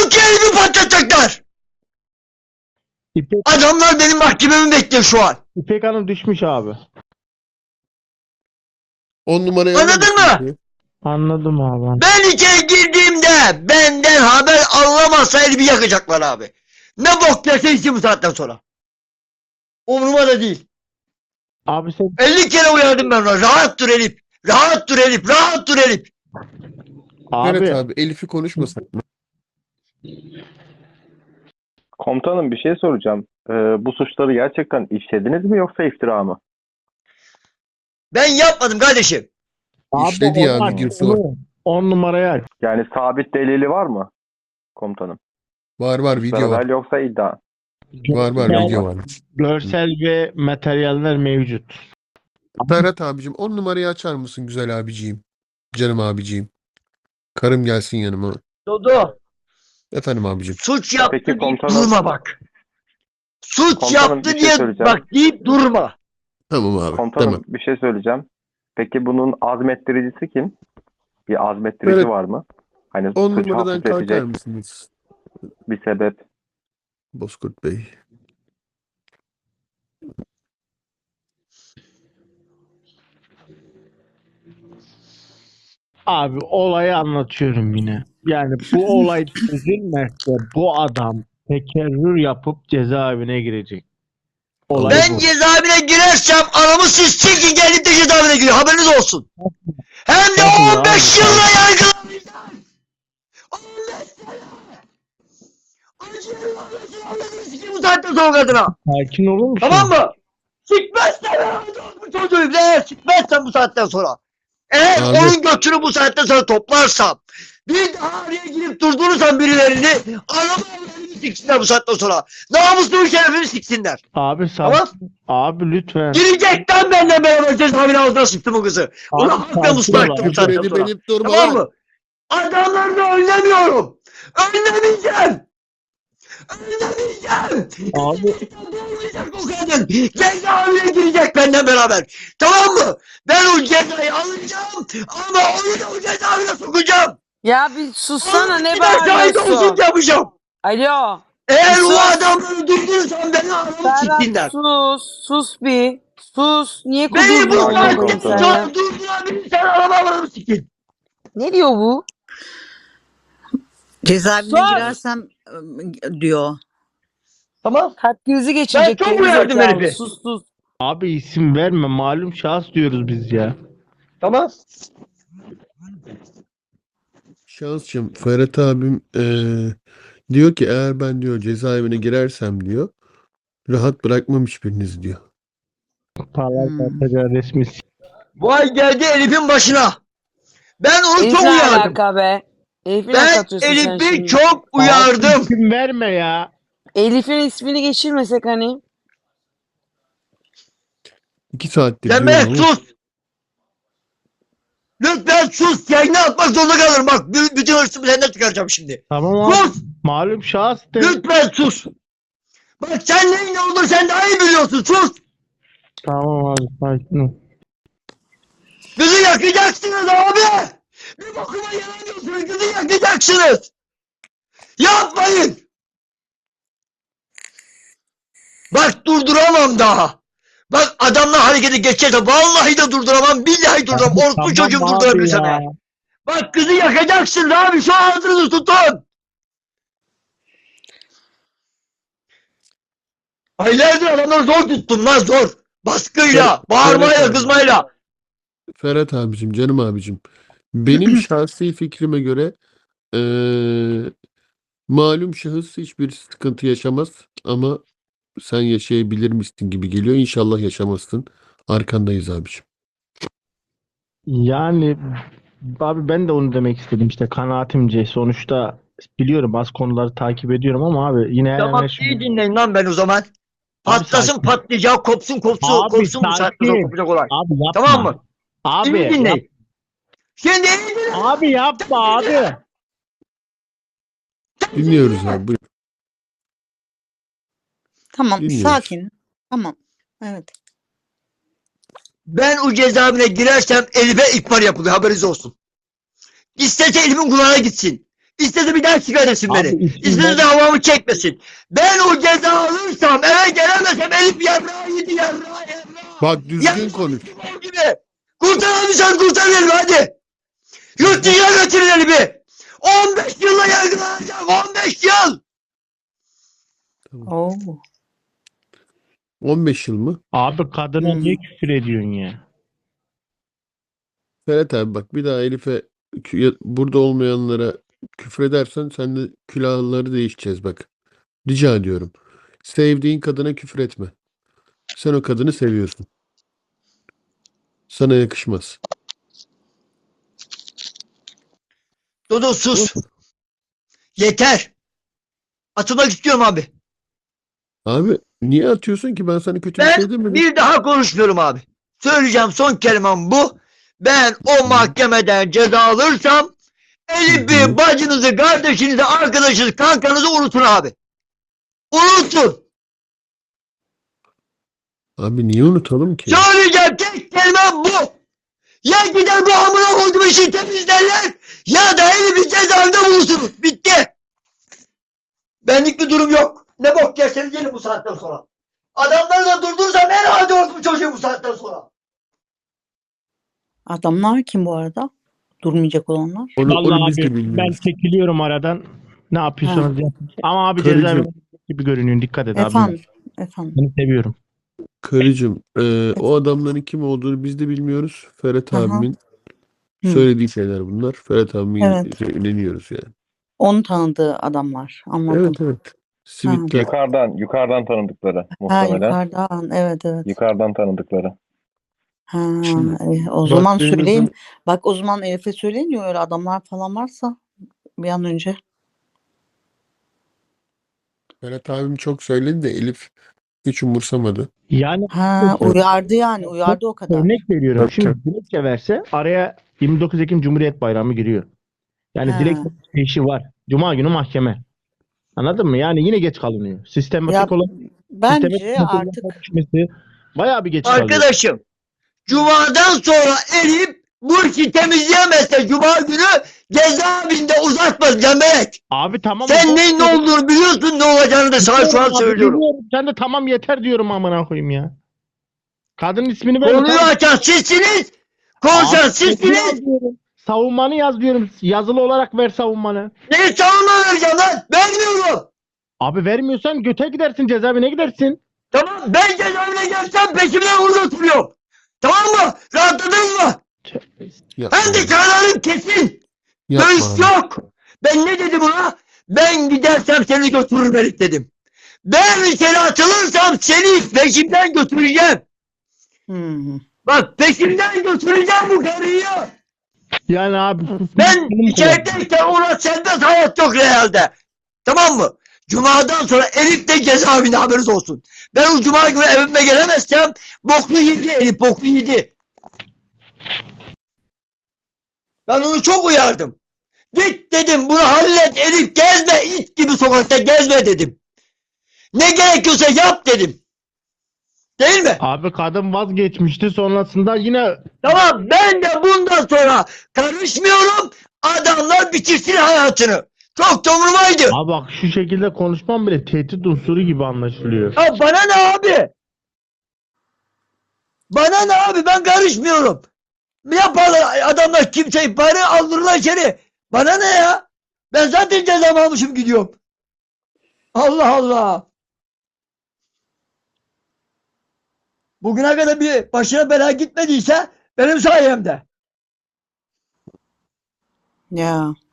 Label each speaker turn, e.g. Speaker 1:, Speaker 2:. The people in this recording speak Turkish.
Speaker 1: ki elimi patlatacaklar.
Speaker 2: İpek,
Speaker 1: Adamlar benim mahkememi bekliyor şu an.
Speaker 2: İpek Hanım düşmüş abi.
Speaker 3: 10 numarayı
Speaker 1: Anladın
Speaker 3: alır mısın?
Speaker 1: mı?
Speaker 2: Anladım abi.
Speaker 1: Ben içeri girdiğimde benden haber alamazsa elimi yakacaklar abi. Ne bok yerse içi bu saatten sonra. Umuruma da değil.
Speaker 2: Abi sen
Speaker 1: 50 kere uyardım ben ona. Rahat dur Elif. Rahat dur Elif. Rahat dur Elif.
Speaker 3: Evet
Speaker 2: abi
Speaker 3: abi Elif'i konuşmasak mı?
Speaker 4: Komutanım bir şey soracağım. Bu suçları gerçekten işlediniz mi yoksa iftira mı?
Speaker 1: Ben yapmadım kardeşim.
Speaker 3: İşledi ya,
Speaker 2: onlar-
Speaker 3: videosu var.
Speaker 2: 10 numaraya aç.
Speaker 4: Yani sabit delili var mı komutanım?
Speaker 3: Var video var.
Speaker 4: Haber yoksa iddia.
Speaker 3: Var
Speaker 2: Görsel-
Speaker 3: video var.
Speaker 2: Görsel ve materyaller mevcut.
Speaker 3: Ferhat abicim 10 numarayı açar mısın güzel abiciğim? Canım abiciğim. Karım gelsin yanıma.
Speaker 1: Dodo.
Speaker 3: Efendim abicim.
Speaker 1: Suç yaptı
Speaker 4: Peki
Speaker 1: deyip
Speaker 4: komutanım-
Speaker 1: durma bak. Suç
Speaker 4: Komutanım,
Speaker 1: yaptı
Speaker 4: bir şey
Speaker 1: diye
Speaker 4: söyleyeceğim.
Speaker 1: bak deyip durma.
Speaker 3: Tamam abi.
Speaker 4: Komutanım
Speaker 3: Tamam.
Speaker 4: bir şey söyleyeceğim. Peki bunun azmettiricisi kim? Bir azmettirici
Speaker 3: Evet.
Speaker 4: var mı? Hani
Speaker 3: 10
Speaker 4: suçu
Speaker 3: numaradan kalkar
Speaker 4: hafifletecek
Speaker 3: mısınız?
Speaker 4: bir sebep.
Speaker 3: Bozkurt Bey.
Speaker 2: Abi olayı anlatıyorum yine. Yani bu olay çözülmezse bu adam tekerrür yapıp cezaevine girecek. Olay
Speaker 1: Ben
Speaker 2: bu.
Speaker 1: cezaevine girersem anamı siz silkin gelip de cezaevine giriyor. Haberiniz olsun. Hem de
Speaker 2: Yapma
Speaker 1: 15
Speaker 2: abi.
Speaker 1: yılla yargılanacağım. 15 sene. Acıyorum anasını sikeyim bu saatten sonra kadına.
Speaker 2: Sakin olur musun?
Speaker 1: Tamam mı? Sikmezsen ben bu çocuğum. Eğer sikmezsen bu saatten sonra. Eğer
Speaker 3: Abi.
Speaker 1: onun götünü bu saatten sonra toplarsam. Bir daha araya girip durdurursam birilerini. Anamı evlerimi siksinler bu saatten sonra. Namuslumu şerefimi siksinler.
Speaker 2: Abi
Speaker 1: Tamam.
Speaker 2: Abi lütfen.
Speaker 1: Girecekten benimle beraber cezaevine ağzına sıktım o kızı. Ona
Speaker 2: Abi,
Speaker 1: hakla
Speaker 2: sakin
Speaker 1: muslu
Speaker 2: ol
Speaker 1: ettim bu
Speaker 2: abi.
Speaker 1: saatten
Speaker 3: Küfür
Speaker 1: sonra.
Speaker 3: edip durma
Speaker 1: Tamam
Speaker 3: lan.
Speaker 1: mı? Adamlarını önlemiyorum. Önlemeyeceğim. Önlemeyeceğim.
Speaker 2: Abi.
Speaker 1: Olmayacak o kadın. Cezaevine girecek benden beraber. Tamam mı? Ben o cezayı alacağım ama onu da o cezaevine sokacağım.
Speaker 5: Ya bir sussana, ne
Speaker 1: Bir de şahit olsun
Speaker 5: bağırıyorsun?
Speaker 1: yapacağım.
Speaker 5: Alo.
Speaker 1: Eğer o
Speaker 5: Sus.
Speaker 1: adamları durdurursan beni aramı siksinler.
Speaker 5: Ferhat sus bir. Sus. Niye
Speaker 1: Beni bu
Speaker 5: kuduruyorsun
Speaker 4: saatten
Speaker 5: koyayım
Speaker 1: saatten
Speaker 4: sonra-
Speaker 5: sana?
Speaker 1: sonra durdurabilirsen aramı sikin.
Speaker 5: Ne diyor bu?
Speaker 6: Cezaevine
Speaker 5: Sus!
Speaker 6: girersem diyor.
Speaker 1: Tamam.
Speaker 5: Kalp krizi geçirecek.
Speaker 1: Ben çok
Speaker 5: geri
Speaker 1: uyardım
Speaker 5: zekalı.
Speaker 1: herifi.
Speaker 5: Sus.
Speaker 2: Abi isim verme. Malum şahıs diyoruz biz ya.
Speaker 1: Tamam.
Speaker 3: Şansçım Ferhat abim diyor ki eğer ben diyor cezaevine girersem diyor rahat bırakmam hiçbiriniz diyor.
Speaker 2: Parlamenter resmi.
Speaker 1: Vay geldi Elif'in başına. Ben onu
Speaker 5: Elif'le
Speaker 1: çok
Speaker 5: ne
Speaker 1: uyardım.
Speaker 5: alaka be? Elif'i ne
Speaker 1: Ben
Speaker 5: satıyorsun sen
Speaker 1: Elif'i
Speaker 5: şimdi?
Speaker 1: çok
Speaker 2: Abi
Speaker 1: uyardım.
Speaker 2: isim verme ya.
Speaker 5: Elif'in ismini geçirmesek hani.
Speaker 3: 2 saattir
Speaker 1: Sen
Speaker 3: diyorum
Speaker 1: be
Speaker 3: ama
Speaker 1: sus. Lütfen sus. Yayını atmak zorunda kalırım. Bak bütün hırsımı senden çıkaracağım şimdi.
Speaker 2: Tamam abi.
Speaker 1: Sus.
Speaker 2: Malum şahıs de.
Speaker 1: Lütfen sus. Bak sen neyin ne olur sen daha iyi biliyorsun. Sus.
Speaker 2: Tamam abi sakin ol.
Speaker 1: Kızı yakacaksınız abi. Bir bokuma yaramıyorsunuz. Kızı yakacaksınız. Yapmayın. Bak durduramam daha. Bak adamla hareketi geçerse vallahi de durduramam. Billahi durduramam. Orospu
Speaker 2: Tamam
Speaker 1: çocuğum
Speaker 2: abi
Speaker 1: durdurabilir
Speaker 2: ya.
Speaker 1: sana. Bak kızı yakacaksın abi. Şu ağzınızı tutun. Aylardır adamları zor tuttum lan zor. Baskıyla, bağırmayla,
Speaker 3: Evet.
Speaker 1: kızmayla.
Speaker 3: Ferhat abicim canım abicim benim şahsi fikrime göre malum şahıs hiçbir sıkıntı yaşamaz ama sen yaşayabilir misin gibi geliyor. İnşallah yaşamazsın. Arkandayız abicim.
Speaker 2: Yani abi ben de onu demek istedim işte kanaatimce sonuçta biliyorum az konuları takip ediyorum ama abi yine her
Speaker 1: Tamam
Speaker 2: her şey-
Speaker 1: iyi dinleyin lan ben o zaman. Patlasın
Speaker 2: sakin.
Speaker 1: patlayacak, kopsun kopsun,
Speaker 2: Abi,
Speaker 1: kopsun bu saatte
Speaker 2: sakin.
Speaker 1: kopacak olay.
Speaker 2: Abi yapma.
Speaker 1: Tamam mı?
Speaker 2: Abi
Speaker 1: Şimdi
Speaker 2: yap-
Speaker 1: dinleyin. Şimdi iyi dinleyin.
Speaker 2: abi yapma abi.
Speaker 3: Dinliyoruz abi. Buyur.
Speaker 6: Tamam
Speaker 3: Dinliyoruz.
Speaker 6: sakin. Tamam. Evet.
Speaker 1: Ben o cezaevine girersem Elif'e ihbar yapılıyor haberiniz olsun. İsterse Elif'in kulağına gitsin. İstese bir daha çıkarırsın
Speaker 2: Abi
Speaker 1: beni.
Speaker 2: isimler-
Speaker 1: İstese de havamı çekmesin. Ben o ceza alırsam eve gelemesem Elif yarrağı yedi yarrağı.
Speaker 3: Bak düzgün
Speaker 1: Yarrağı
Speaker 3: konuş.
Speaker 1: yedi gibi. Kurtaramayacağız kurtaralım hadi. Yurt dışına götürün Elif'i. 15 yılla yargılanacağım 15 yıl.
Speaker 6: Oo.
Speaker 3: 15 yıl mı?
Speaker 2: Abi kadına
Speaker 6: Hmm.
Speaker 2: niye küfür ediyorsun ya?
Speaker 3: Ferhat abi bak bir daha Elif'e burada olmayanlara küfür edersen sen de külahları değişeceğiz bak. Rica ediyorum. Sevdiğin kadına küfür etme. Sen o kadını seviyorsun. Sana yakışmaz.
Speaker 1: Dodo sus. Yeter. Atılmak istiyorum abi.
Speaker 3: Abi niye atıyorsun ki? Ben sana kötü bir
Speaker 1: Ben
Speaker 3: şey demedim.
Speaker 1: bir daha konuşmuyorum abi. Söyleyeceğim son kelimem bu. Ben o mahkemeden ceza alırsam Elif'i, bacınızı, kardeşinizi, arkadaşınızı, kankanızı unutun abi. Unutun.
Speaker 3: Abi niye unutalım ki?
Speaker 1: Söyleyeceğim tek kelimem bu. Ya gider bu amına koyduğum işi temizlerler ya da Elif'i cezaevinde bulursunuz. Bitti. Benlik bir durum yok. Ne bok yerseniz gelin bu saatten sonra. Adamları da durdursam herhalde olsun çocuğum bu saatten sonra.
Speaker 6: Adamlar kim bu arada? Durmayacak olanlar.
Speaker 3: Onu
Speaker 2: Vallahi
Speaker 3: biz de
Speaker 2: abi ben
Speaker 3: bilmiyoruz.
Speaker 2: çekiliyorum aradan. Ne yapıyorsanız yapın. Ama abi
Speaker 3: Karıcığım.
Speaker 2: cezaevinde gibi görünüyorsun. Dikkat et abi.
Speaker 6: Efendim. Efendim.
Speaker 2: Seni seviyorum.
Speaker 3: Karıcığım, o adamların kim olduğunu biz de bilmiyoruz. Ferhat
Speaker 6: Aha.
Speaker 3: abimin
Speaker 6: Hı.
Speaker 3: söylediği şeyler bunlar. Ferhat abimin
Speaker 6: Evet.
Speaker 3: inanıyoruz yani.
Speaker 6: Onun tanıdığı adamlar. Anladım.
Speaker 3: Evet evet. Sivitler.
Speaker 4: Yukarıdan tanıdıkları
Speaker 6: Ha,
Speaker 4: muhtemelen.
Speaker 6: yukarıdan. Evet evet.
Speaker 4: Yukarıdan tanıdıkları.
Speaker 6: Ha,
Speaker 3: Şimdi
Speaker 6: o zaman
Speaker 3: baktığınız
Speaker 6: söyleyin.
Speaker 3: zaman-
Speaker 6: Bak o zaman Elif'e söyleyin ya öyle adamlar falan varsa bir an önce.
Speaker 3: Ferhat abim çok söyledi de Elif hiç umursamadı.
Speaker 2: Yani
Speaker 6: Ha,
Speaker 3: Evet.
Speaker 6: uyardı yani. Uyardı o kadar.
Speaker 2: örnek veriyorum.
Speaker 3: Tabii,
Speaker 2: Şimdi
Speaker 3: tabii.
Speaker 2: dilekçe verse araya 29 Ekim Cumhuriyet Bayramı giriyor. Yani
Speaker 6: Ha.
Speaker 2: dilekçe işi var. Cuma günü mahkeme. Anladın mı? Yani yine geç kalınıyor. Sistematik
Speaker 6: Ya
Speaker 2: olarak
Speaker 6: bence
Speaker 2: sistematik
Speaker 6: artık
Speaker 2: düşmesi bayağı bir geç kalıyor.
Speaker 1: Arkadaşım, Cuma'dan sonra Elif bu işi temizleyemezse Cuma günü cezaevinde uzatmaz Cemberek.
Speaker 2: Abi tamam.
Speaker 1: Sen neyin ne olduğunu biliyorsun, ne olacağını da sana şu an
Speaker 2: Abi,
Speaker 1: söylüyorum.
Speaker 2: biliyorum. Sen de tamam yeter diyorum amına koyayım ya. Kadının ismini ver.
Speaker 1: Konuyu açan sizsiniz, konuşan
Speaker 2: Abi,
Speaker 1: sizsiniz.
Speaker 2: yazıyorum. Savunmanı yaz diyorum. Yazılı olarak ver savunmanı.
Speaker 1: Neyi savunma vereceğim lan? Vermiyorum.
Speaker 2: Abi vermiyorsan göte gidersin, cezaevine gidersin.
Speaker 1: Tamam, ben cezaevine gelsem peşimden orada oturuyorum. Tamam mı? Rahatladınız mı?
Speaker 3: Yapma
Speaker 1: Ben de
Speaker 3: abi.
Speaker 1: kararım kesin.
Speaker 3: Yapma
Speaker 1: Dövüş
Speaker 3: abi.
Speaker 1: yok. Ben ne dedim ona? Ben gidersem seni götürürüm Elif dedim. Ben seni atılırsam seni peşimden götüreceğim.
Speaker 6: hmm.
Speaker 1: Bak peşimden götüreceğim bu karıyı.
Speaker 2: Yani abi
Speaker 1: Ben içerideyken ona serbest hayat yok realde. Tamam mı? Cuma'dan sonra Elif de cezaevinde haberiniz olsun. Ben o Cuma günü evime gelemezsem boklu yedi Elif boklu yedi. Ben onu çok uyardım. Git dedim bunu hallet Elif gezme it gibi sokakta gezme dedim. Ne gerekiyorsa yap dedim. Değil mi?
Speaker 2: Abi kadın vazgeçmişti sonrasında yine
Speaker 1: Tamam ben de bundan sonra karışmıyorum. Adamlar bitirsin hayatını. Çok da umurumdaydı.
Speaker 2: abi bak şu şekilde konuşmam bile tehdit unsuru gibi anlaşılıyor.
Speaker 1: Ya bana ne abi? Bana ne abi ben karışmıyorum. Yaparlar adamlar kimseyi bari aldırırlar içeri. Bana ne ya? Ben zaten cezamı almışım gidiyorum. Allah Allah. Bugüne kadar bir başına bela gitmediyse benim sayemde.
Speaker 6: Ya